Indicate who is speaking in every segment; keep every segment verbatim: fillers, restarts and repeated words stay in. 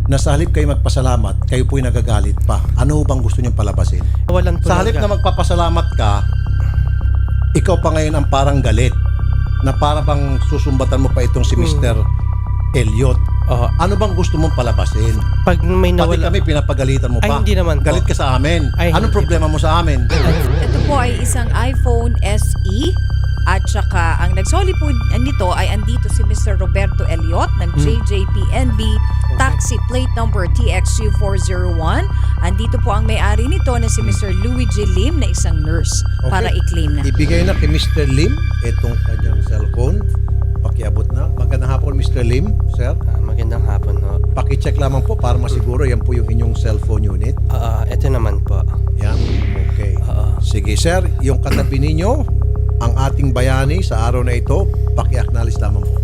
Speaker 1: na sa halip kayo magpasalamat, kayo po'y nagagalit pa. Ano bang gusto niyong palabasin?
Speaker 2: Walang
Speaker 1: Sa halip na magpapasalamat ka, ikaw pa ngayon ang parang galit na para bang susumbatan mo pa itong si Mister Elliot.
Speaker 2: Oo.
Speaker 1: Ano bang gusto mong palabasin?
Speaker 2: Pag may
Speaker 1: Pati
Speaker 2: nawala...
Speaker 1: kami pinapagalitan mo
Speaker 2: Ay,
Speaker 1: pa.
Speaker 2: hindi naman po.
Speaker 1: Galit ka sa amin.
Speaker 2: Ay,
Speaker 1: Anong
Speaker 2: hindi
Speaker 1: problema mo sa amin?
Speaker 3: Ito po ay isang iPhone S E at saka ang nagsoli po nito ay andito si Mister Roberto Elliot ng J J P N B taxi plate number T X U four oh one. Andito po ang may-ari nito na si Mister Louis J. Lim na isang nurse
Speaker 1: Okay.
Speaker 3: para i-claim na.
Speaker 1: Ibigay na kay Mister Lim itong kanyang cellphone. Pakiabot na. Magandang hapon, Mister Lim, sir.
Speaker 2: Ah, magandang hapon ho.
Speaker 1: Pakicheck lamang po para masiguro yan po yung inyong cellphone unit.
Speaker 2: Ah, ito naman po.
Speaker 1: Yan. Okay.
Speaker 2: Oo.
Speaker 1: Sige, sir. Yung katabi ninyo, ang ating bayani sa araw na ito, paki-acknowledge lamang po.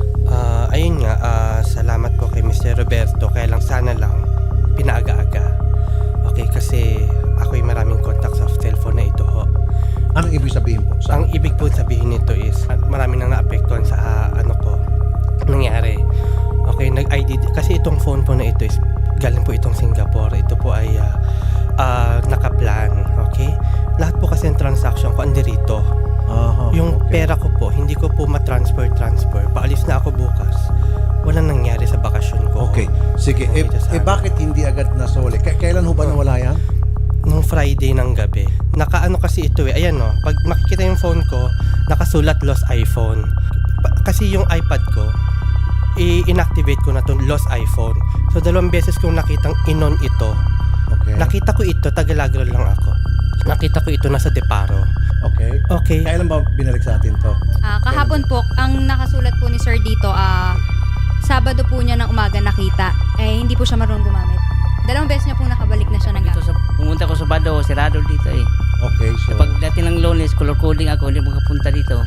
Speaker 2: Ah, ayun nga, ah, salamat po kay Mister Roberto. Kaya lang sana lang pinaaga-aga. Okay, kasi ako'y maraming contact sa cellphone na ito ho.
Speaker 1: Anong ibig sabihin po? Sa
Speaker 2: Ang ibig po sabihin nito is ah, marami nang naapektuhan sa ah, ano ko nangyari. Okay, nag-I D kasi itong phone po na ito is galing po itong Singapore. Ito po ay ah, ah, naka-plan, okay? Lahat po kasi ng transaction ko andirito.
Speaker 1: Aha,
Speaker 2: Yung
Speaker 1: okay.
Speaker 2: pera ko po, hindi ko po ma-transfer transfer. Paalis na ako bukas. Walang nangyari sa bakasyon ko.
Speaker 1: Okay. Sige. Eh,
Speaker 2: Dito sa
Speaker 1: eh
Speaker 2: amin.
Speaker 1: bakit hindi agad nasoli? K- kailan ho ba nawala yan?
Speaker 2: Nung Friday ng gabi. Nakaano kasi ito eh. Ayan no, pag makikita yung phone ko, nakasulat lost iPhone. Pa- kasi yung iPad ko, i-inactivate ko na to lost iPhone. So dalawang beses kong nakitang inon ito.
Speaker 1: Okay.
Speaker 2: Nakita ko ito, Tagalagro lang ako. Nakita ko ito nasa Deparo.
Speaker 1: Okay.
Speaker 2: Okay.
Speaker 1: Kailan ba binalik sa atin to?
Speaker 4: Ah, kahapon po, ang nakasulat po ni Sir dito, ah, Sabado po niya ng umaga nakita. Eh, hindi po siya marunong gumamit. Dalawang beses niya po nakabalik na siya ng
Speaker 5: Dito
Speaker 4: gamit.
Speaker 5: sa, pumunta ko sa Bado, sirado dito eh.
Speaker 1: Okay, so...
Speaker 5: Kapag dati ng Lunes, color coding ako, hindi makapunta dito.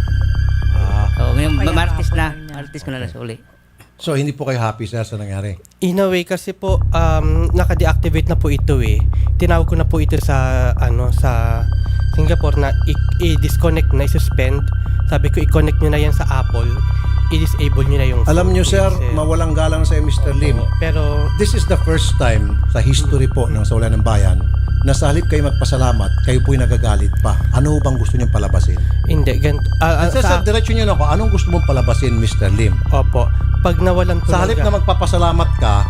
Speaker 1: Ah,
Speaker 5: So, ngayon,
Speaker 3: Kaya
Speaker 5: Martes na.
Speaker 3: kahapon na.
Speaker 5: Martes ko na nasuli.
Speaker 1: so, hindi po kayo happy, sir, sa nangyari?
Speaker 2: In a way kasi po um, naka-deactivate na po ito eh. Tinawag ko na po ito sa ano sa Singapore na i- i-disconnect na, i-suspend. Sabi ko i-connect nyo na yan sa Apple. I-disable nyo na yung
Speaker 1: Alam
Speaker 2: phone
Speaker 1: nyo,
Speaker 2: ko,
Speaker 1: sir,
Speaker 2: kasi-
Speaker 1: mawalang galang sa Mister Lim.
Speaker 2: Oo, pero
Speaker 1: This is the first time sa history po ng Sawalan ng Bayan na sa halip kayo magpasalamat, kayo po'y nagagalit pa. Ano bang gusto niyong palabasin?
Speaker 2: hindi ganito. Ah, ah,
Speaker 1: Sir,
Speaker 2: sa,
Speaker 1: sir, diretso niyo na ako. Anong gusto mong palabasin, Mister Lim?
Speaker 2: opo. Pag nawalan ko
Speaker 1: Sa
Speaker 2: ng
Speaker 1: halip
Speaker 2: ga-
Speaker 1: na magpapasalamat ka,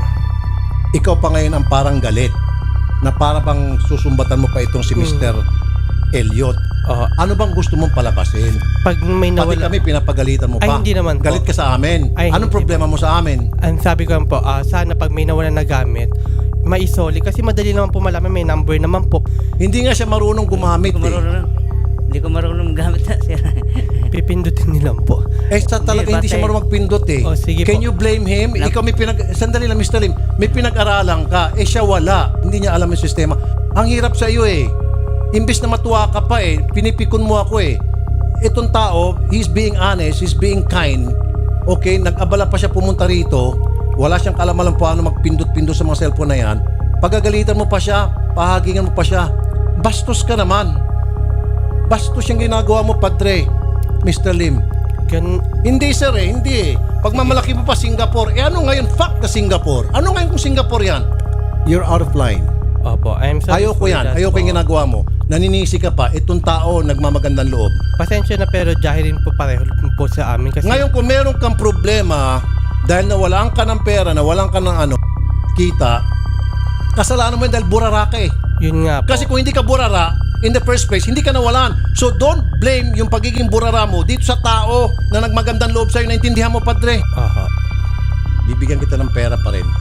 Speaker 1: ikaw pa ngayon ang parang galit na para bang susumbatan mo pa itong si Mister Elliot.
Speaker 2: Oo.
Speaker 1: Ano bang gusto mong palabasin?
Speaker 2: pag may
Speaker 1: Pati
Speaker 2: nawala
Speaker 1: kami pinapagalitan mo
Speaker 2: Ay,
Speaker 1: pa.
Speaker 2: hindi naman po.
Speaker 1: Galit ka sa amin.
Speaker 2: Ay,
Speaker 1: Anong
Speaker 2: hindi
Speaker 1: problema mo sa amin?
Speaker 2: ang sabi ko lang po, ah, sana pag may nawala na gamit, maisoli kasi madali naman po malaman, may number naman po.
Speaker 1: Hindi nga siya marunong gumamit
Speaker 5: Hindi ko
Speaker 1: eh.
Speaker 5: marunong. Hindi ko marunong gamit na, sir.
Speaker 2: Pipindutin nilang po.
Speaker 1: Eh, sa talaga hindi,
Speaker 5: Hindi,
Speaker 1: siya
Speaker 5: batay.
Speaker 1: marunong magpindot eh.
Speaker 2: Oh, sige
Speaker 1: Can
Speaker 2: po.
Speaker 1: you blame him?
Speaker 5: Nak-
Speaker 1: Ikaw may pinag... Sandali lang, Mister Lim. May pinag-aralan ka. Eh, siya wala. Hindi niya alam yung sistema. Ang hirap sa iyo eh. Imbis na matuwa ka pa eh, pinipikon mo ako eh. Itong tao, he's being honest, he's being kind. Okay, nag-abala pa siya pumunta rito. Wala siyang kalamalang paano magpindot-pindot sa mga cellphone na yan. Pagagalitan mo pa siya, pahagingan mo pa siya. Bastos ka naman. Bastos yung ginagawa mo, Padre. Mister Lim.
Speaker 2: Gan
Speaker 1: Hindi sir eh, hindi eh. Pagmamalaki mo pa Singapore, eh ano ngayon? Fuck the Singapore. Ano ngayon kung Singapore yan? You're out of line.
Speaker 2: Opo, I'm sorry.
Speaker 1: Ayoko
Speaker 2: for
Speaker 1: yan.
Speaker 2: that
Speaker 1: Ayoko
Speaker 2: po.
Speaker 1: yung ginagawa mo. Naninisi ka pa. Itong tao nagmamagandang loob.
Speaker 2: Pasensya na pero dahil po pareho po sa amin kasi
Speaker 1: Ngayon kung meron kang problema dahil nawalan ka ng pera, nawalan ka ng ano, kita, kasalanan mo yun dahil burara ka eh.
Speaker 2: yun nga po.
Speaker 1: Kasi kung hindi ka burara, in the first place, hindi ka nawalan. So don't blame yung pagiging burara mo dito sa tao na nagmagandang loob sa'yo. Naintindihan mo, Padre?
Speaker 2: Aha.
Speaker 1: Bibigyan kita ng pera pa rin.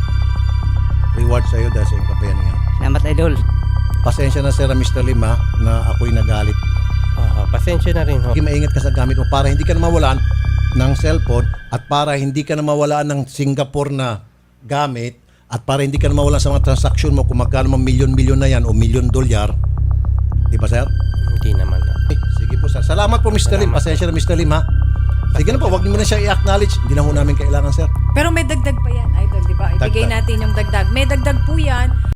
Speaker 1: Reward sa'yo dahil sa iyong kapayaningan.
Speaker 5: Salamat, idol.
Speaker 1: Pasensya na sir, Mister Lim ha, na ako'y nagalit.
Speaker 2: Aha, pasensya na rin ho.
Speaker 1: Maging maingat ka sa gamit mo para hindi ka na mawalan ng cellphone at para hindi ka na mawalan ng Singapore na gamit at para hindi ka na mawalan sa mga transaksyon mo kung magkano mga milyon-milyon na yan o milyon dolyar. Di ba sir?
Speaker 2: Hindi naman na.
Speaker 1: Eh, sige po sir. Salamat po Mister Lim. Pasensya na Mister Lim ha. Sige na po, wag niyo muna siya i-acknowledge. Hindi na ho namin kailangan sir.
Speaker 3: Pero may dagdag pa yan, idol, di ba? Ibigay
Speaker 1: Dagdag.
Speaker 3: natin yung dagdag. May dagdag po yan.